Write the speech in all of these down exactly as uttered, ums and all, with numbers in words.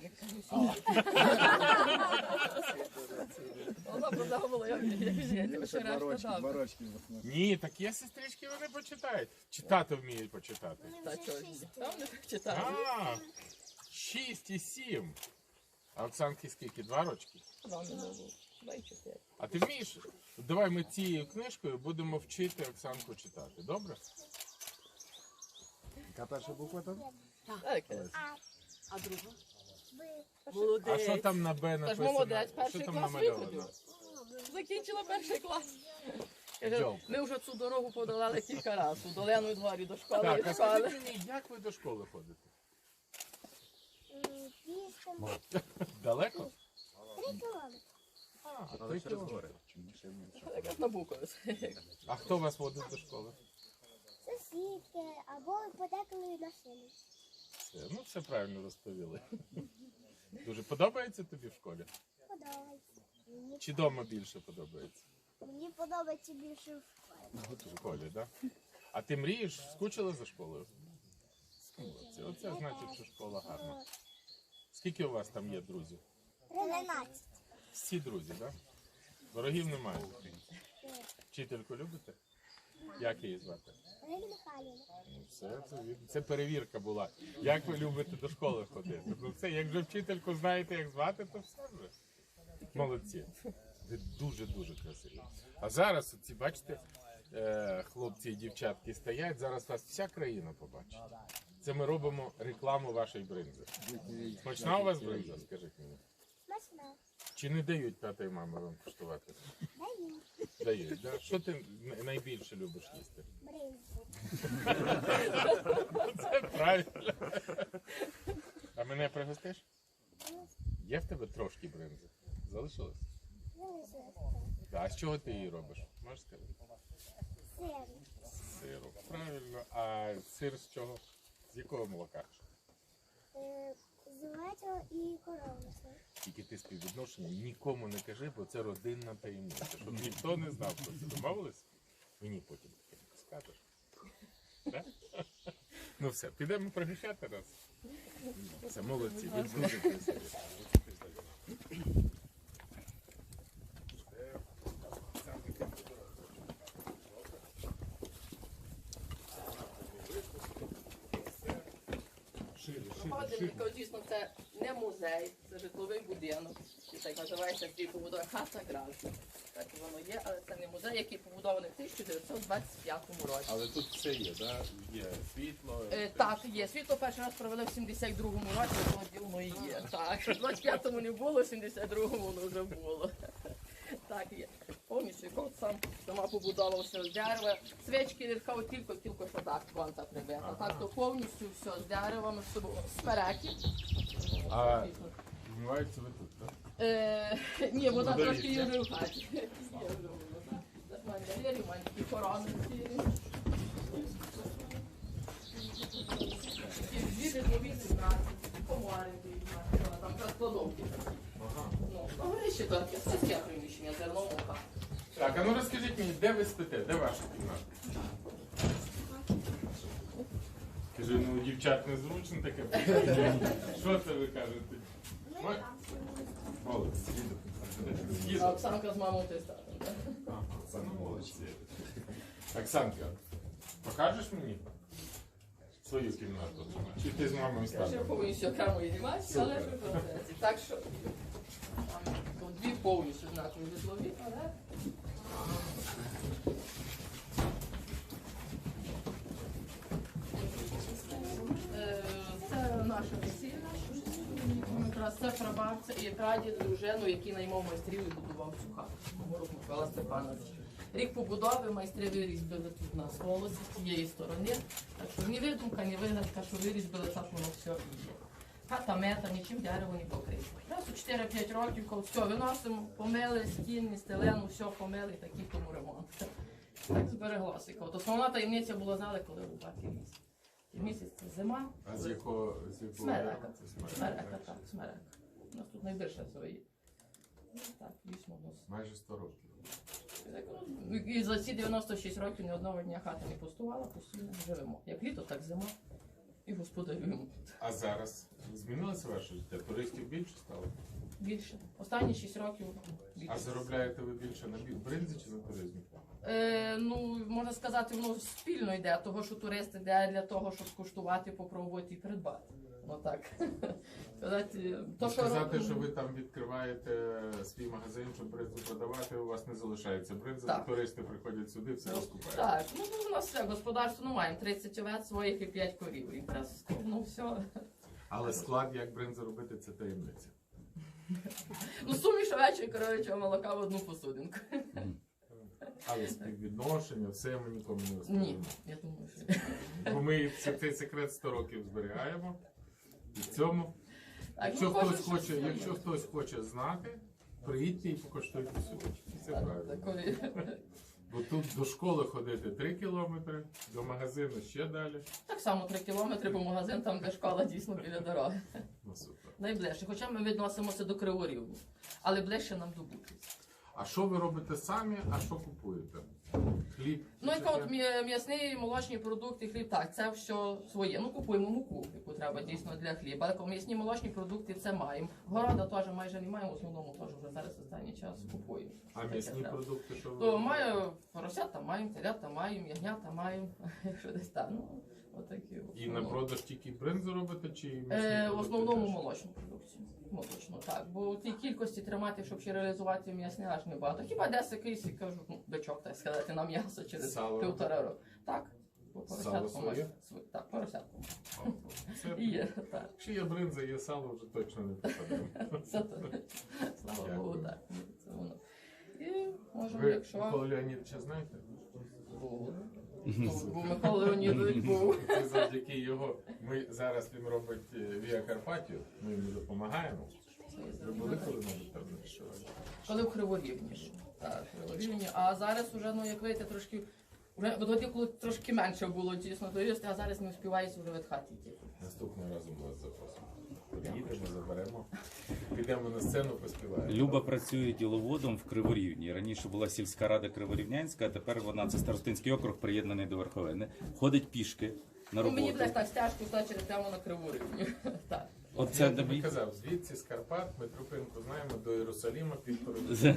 Вона продавала, як жити, ще решта дав. Ні, так є сестрички, вони почитають. Читати вміють почитати. Та чого ж ні? Там не читаю. А, шість і сім. А Оксанки скільки? Два рочки? Вам не було. Два і чотири. А ти вмієш? Давай ми цією книжкою будемо вчити Оксанку читати. Добре? Яка перша буква там? Так. А друга? А Молодець. що там на Б Та ж написано? молодець, Що перший там клас намальовано? виходив. Закінчила перший клас. Каже, Джок. ми вже цю дорогу подолали кілька разів. У Долену дворі до школи Так, і а школи. скажіть мені, як ви до школи ходите? Пішком Далеко? три кілометри. А, Але три через кілометри. гори. Як на Букові. А хто вас водить до школи? Сусідки або подеколи машини. Все, ну все правильно розповіли. Дуже подобається тобі в школі? Подобається. Мені, Чи вдома більше подобається? мені подобається більше в школі. В школі, так? Да? А ти мрієш, скучила за школою? Молодці. Оце значить, що школа гарна. Скільки у вас там є друзів? Тринадцять. Всі друзі, так? Да? Ворогів немає. Вчительку любите? Як її звати? Ірина Михайлівна. Ну, все, це, це перевірка була. Як ви любите до школи ходити? Ну все, як вже вчительку знаєте, як звати, то все вже. Молодці. Ви дуже-дуже красиві. А зараз, оці, бачите, е, хлопці і дівчатки стоять, зараз вас вся країна побачить. Це ми робимо рекламу вашої бринзи. Смачна у вас бринза, скажіть мені? Смачна. Чи не дають тата і мама вам куштувати? Даю. Дають, да? Що ти найбільше любиш їсти? Бринзу. Це правильно. А мене пригостиш? Є в тебе трошки бринзи? Залишилось? Залишилося. А з чого ти її робиш? Можеш сказати? Сир. З сиру. Правильно. А сир з чого? З якого молока? Е, З овечого і коров'ячого. Тільки ти співвідношення нікому не кажи, бо це родинна таємниця. Щоб ніхто не знав про це. Домовились? Мені потім таке скажеш. Так? Ну все, підемо пригощати нас. Все, молодці, ви дуже красиві. Ходимо, дійсно, це не музей, це житловий будинок. І так називається такий побудова хата Гразна. Так воно є, але це не музей, який побудований в тисяча дев'ятсот двадцять п'ятому році. Але тут все є, да? Є світло. Е, так, є. Світло перший раз провели в сімдесят другому році, воно воно і є. Так, в двадцять п'ятому не було, в сімдесят другому воно вже було. Так, є. Повністю кот сам сама побудова все з дерева. Свічки ліркав тільки, тільки що так, конта прибита. Ага. Так, то повністю все з деревами, з собою, з переків. А вмиваються ви тут, так? Е, ні, вода Водолій, трошки є так? вже в хаті. Є вже вода. Це мандарини, маленькі корони цілі. Дві житлові кімнати, комори, там складовки. Ага. Ну, горище тільки, сільське приміщення, зерно, мука. Так, а ну розкажіть мені, де ви спите? Де ваша кімната? Кажу, ну у дівчат незручно таке. Що це ви кажете? Ой. Молодці. А Їду. Оксанка з мамою ти статом, так? Ага, це молодці. Оксанка, покажеш мені свою кімнату? Чи ти з мамою Я ще станеш? повністю окремо знімаюся, але ж в процесі. Так що тут дві повністю знакові житлові, але Е, це наша весільна. Якраз це прабабця і прадід, дружину, який наймав майстрів і будував цю хату. Мороз Михайла Степанович. Рік побудови майстри вирізбили тут на сволоці з цієї сторони. Так що ні видумка, ні вигадка, що вирізбили, так воно все і є. Хата мета, нічим дерево не покрито. Раз у чотири-п'ять років, коли все виносимо, помили, стіни, стелену, все помили, такий тому ремонт. Так збереглося. От основна таємниця була, знали, коли рубати місяць. І місяць це зима. А з якого? З якого? Смерека. Це смерека. Смерека, так, смерека. У нас тут найбільше свої. Так, дійсно, у нас. Майже сто років. І за ці дев'яносто шість років ні одного дня хата не пустувала, постійно живемо. Як літо, так зима. І господарюємо. А зараз Змінилося ваше життя? Туристів більше стало? Більше. Останні шість років більше. А заробляєте ви більше на бі- бринзі чи на туризмі? Е, ну, можна сказати, воно спільно йде, того, що турист йде для того, щоб скуштувати, попробувати і придбати. Ну так. Сказати, то, що... Сказати, що ви там відкриваєте свій магазин, щоб бринзу продавати, у вас не залишається бринза, Так. туристи приходять сюди, все розкупають. Так, ну у нас все, господарство, ну маємо тридцять овець своїх і п'ять корів. І якраз, ну все. Але склад, як бринзу робити, це таємниця. Ну суміш овечого і коров'ячого молока в одну посудинку. Але співвідношення, все ми нікому не Ні, розповімо. я думаю, що... Бо ми це- цей секрет сто років зберігаємо. І в цьому, Так, якщо, ну, хтось кожен щось хоче, своє. якщо хтось хоче знати, приїдьте і покоштуйте сюди. І це Так, правильно. такої... Бо тут до школи ходити три кілометри, до магазину ще далі. Так само три кілометри, бо магазин там, де школа, дійсно біля дороги. Ну супер. Найближче, хоча ми відносимося до Криворіву, але ближче нам до Бучиці. А що ви робите самі, а що купуєте? Хліб? Ну, чи яка от таке? м'я- м'ясний, молочні продукти, хліб, так, це все своє. Ну, купуємо муку, яку треба дійсно для хліба. Але м'ясні молочні продукти це маємо. Города теж майже не маємо, в основному теж вже зараз останній час купуємо. А м'ясні продукти, що ви То робите? маю поросята маємо, телята маємо, ягнята маємо, якщо десь так. Ну, отакі. в І на основному. продаж тільки бринзу робите, чи і м'ясні Е, в продукти основному теж? молочну продукцію. Молочну, так. Бо в тій кількості тримати, щоб ще реалізувати м'ясне, аж не багато. Хіба десь якийсь, я кажу, ну, бичок, так сказати, на м'ясо через Сало. півтора року. Так. По Сало поросятку своє? можна. Св- Так, поросятку. О, це- І є, так. Якщо є бринза, є сало, вже точно не попадемо. Це то. Слава Дякую. Богу, так. Це воно. І можемо, Ви якщо... Микола Леонідовича знаєте? Був. Був Микола Леонідович був. Це завдяки його. Ми зараз він робить е, Віа Карпатію, ми йому допомагаємо. Ви були коли-небудь там на що? Коли в Криворівні. Так, в Криворівні. А зараз уже, ну, як видите, трошки... Вже, бо тоді, коли трошки менше було, дійсно, туристів, а зараз не встигають вже від хати йти. Наступного разу ми вас запросимо. Приїдемо, заберемо, підемо на сцену, поспіваємо. Люба працює діловодом в Криворівні. Раніше була сільська рада Криворівнянська, а тепер вона це Старостинський округ, приєднаний до Верховини. Ходить пішки на Ну, мені роботу. буде так стяжку йшла через прямо на Криворівні. Так. Оце Я тобі тобі. казав, звідси з Карпат ми Трупинку знаємо до Єрусаліма півтори.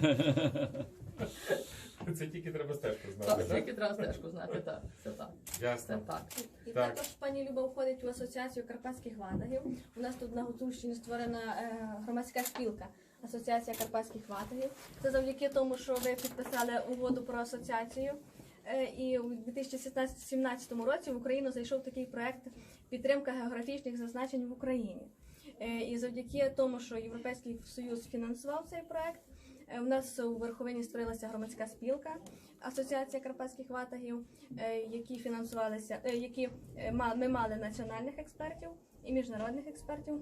Це тільки треба стежку знати, Так, так? тільки треба стежку знати, так. Це так. Це Ясно. так. І Так. також пані Люба входить в асоціацію карпатських ватагів. У нас тут на Гуцульщині створена е, громадська спілка Асоціація карпатських ватагів. Це завдяки тому, що ви підписали угоду про асоціацію. Е, і у дві тисячі сімнадцятому році в Україну зайшов такий проект підтримка географічних зазначень в Україні. Е, і завдяки тому, що Європейський Союз фінансував цей проект, е, у нас у Верховині створилася громадська спілка Асоціація карпатських ватагів, е, які фінансувалися, е, які е, ма- ми мали національних експертів і міжнародних експертів,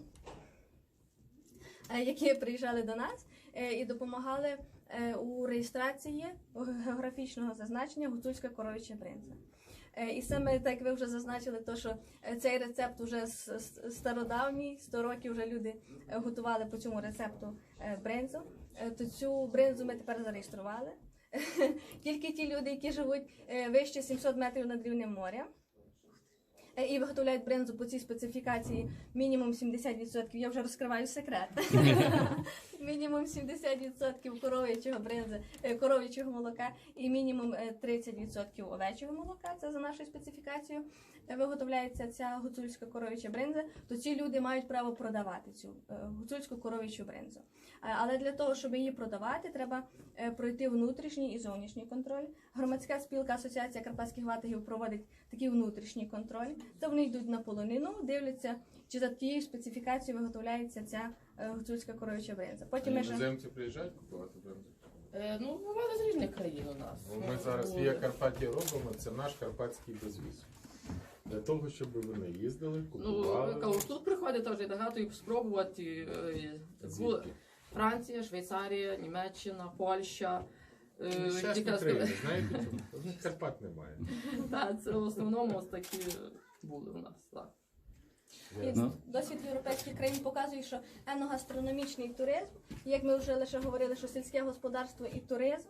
е, які приїжджали до нас е, і допомагали е, у реєстрації географічного зазначення гуцульська коров'яча бринза. Е, І саме так ви вже зазначили, то, що е, цей рецепт вже с- с- стародавній, сто років вже люди е, готували по цьому рецепту е, бринзу. Е, То цю бринзу ми тепер зареєстрували. Тільки ті люди, які живуть е, вище сімсот метрів над рівнем моря е, і виготовляють бринзу по цій специфікації мінімум сімдесят відсотків, я вже розкриваю секрет. Мінімум сімдесят відсотків коров'ячого бринзи, е, коров'ячого молока і мінімум е, тридцять відсотків овечого молока, це за нашою специфікацією, е, виготовляється ця гуцульська коров'яча бринза, то ці люди мають право продавати цю е, гуцульську коров'ячу бринзу. Е, Але для того, щоб її продавати, треба е, пройти внутрішній і зовнішній контроль. Громадська спілка Асоціація карпатських ватагів проводить такий внутрішній контроль. Це вони йдуть на полонину, дивляться, чи за тією специфікацією виготовляється ця е, гуцульська коров'яча бринза. Потім ми ще... Іноземці приїжджають купувати бринзу? Е, Ну, бували з різних країн у нас. Ну, Ми зараз Віа Карпатія робимо, це наш карпатський безвіз. Для того, щоб вони їздили, Ну, купували. кажу, тут приходить теж багато їх спробувати. е, були Звідки? Франція, Швейцарія, Німеччина, Польща. е, Нещасні тільки країни, сказати- знаєте чому? У них Карпат немає. Так, це в основному ось такі були у нас. Так. І Ну. досвід європейських країн показує, що еногастрономічний туризм, як ми вже лише говорили, що сільське господарство і туризм,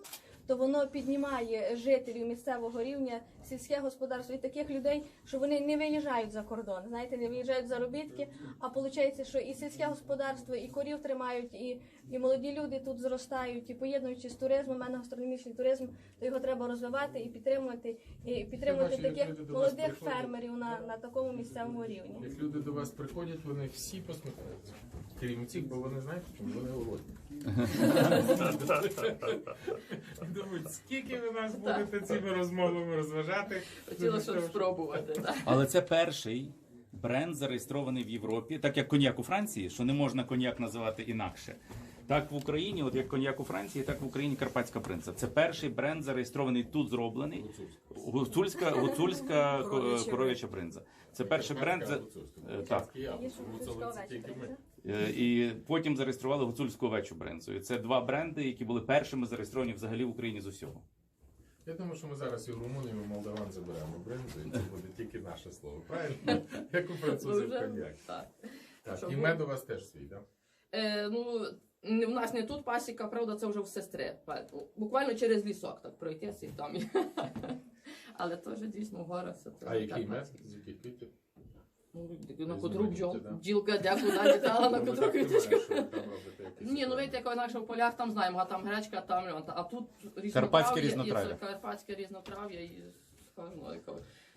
то воно піднімає жителів місцевого рівня, сільське господарство і таких людей, що вони не виїжджають за кордон, знаєте, не виїжджають заробітки, а виходить, що і сільське господарство, і корів тримають, і, і молоді люди тут зростають, і поєднуючи з туризмом, у мене гастрономічний туризм, то його треба розвивати і підтримувати, і підтримувати бачу, як таких люди до вас молодих приходять. фермерів на, на такому місцевому рівні. Як люди до вас приходять, вони всі посміхаються. Крім цих, бо вони знають, чому вони голодні. Думають, скільки ви нас будете цими розмовами розважати? Хотіла щоб спробувати. Так. Але це перший бренд, зареєстрований в Європі, так як коньяк у Франції, що не можна коньяк називати інакше. Так в Україні, от як коньяк у Франції, так в Україні Карпатська принца. Це перший бренд, зареєстрований тут, зроблений. Гуцульська, гуцульська ко- коров'яча принца. Це перший бренд. за- е, Так. Є гуцульська овеча принця. Е, І потім зареєстрували гуцульську овечу бринзу. І це два бренди, які були першими зареєстровані взагалі в Україні з усього. Я думаю, що ми зараз і в Румунію, і в Молдаван заберемо бринзу, і це буде тільки наше слово. Правильно? Як у французів Вже- коньяк. так. Так, Щоб і ви- мед у вас теж свій, так? Е, ну, не- в нас не тут пасіка, правда, це вже в сестри. Буквально через лісок так пройтися і там. є. Але теж дійсно гора. Це А який мед? карпатський. З яких квітів? Ну, на Ви котру бджол. знаєте, да? Бджілка дякую, літала на Ну, ви котру так квіточку. думаєте, що ви там робите якісь Ні, ну видите, як інакше в полях там знаємо, а там гречка, там льон. А тут різнотрав'я, Карпатське і це різнотрав'я. карпатське різнотрав'я і скажімо, яке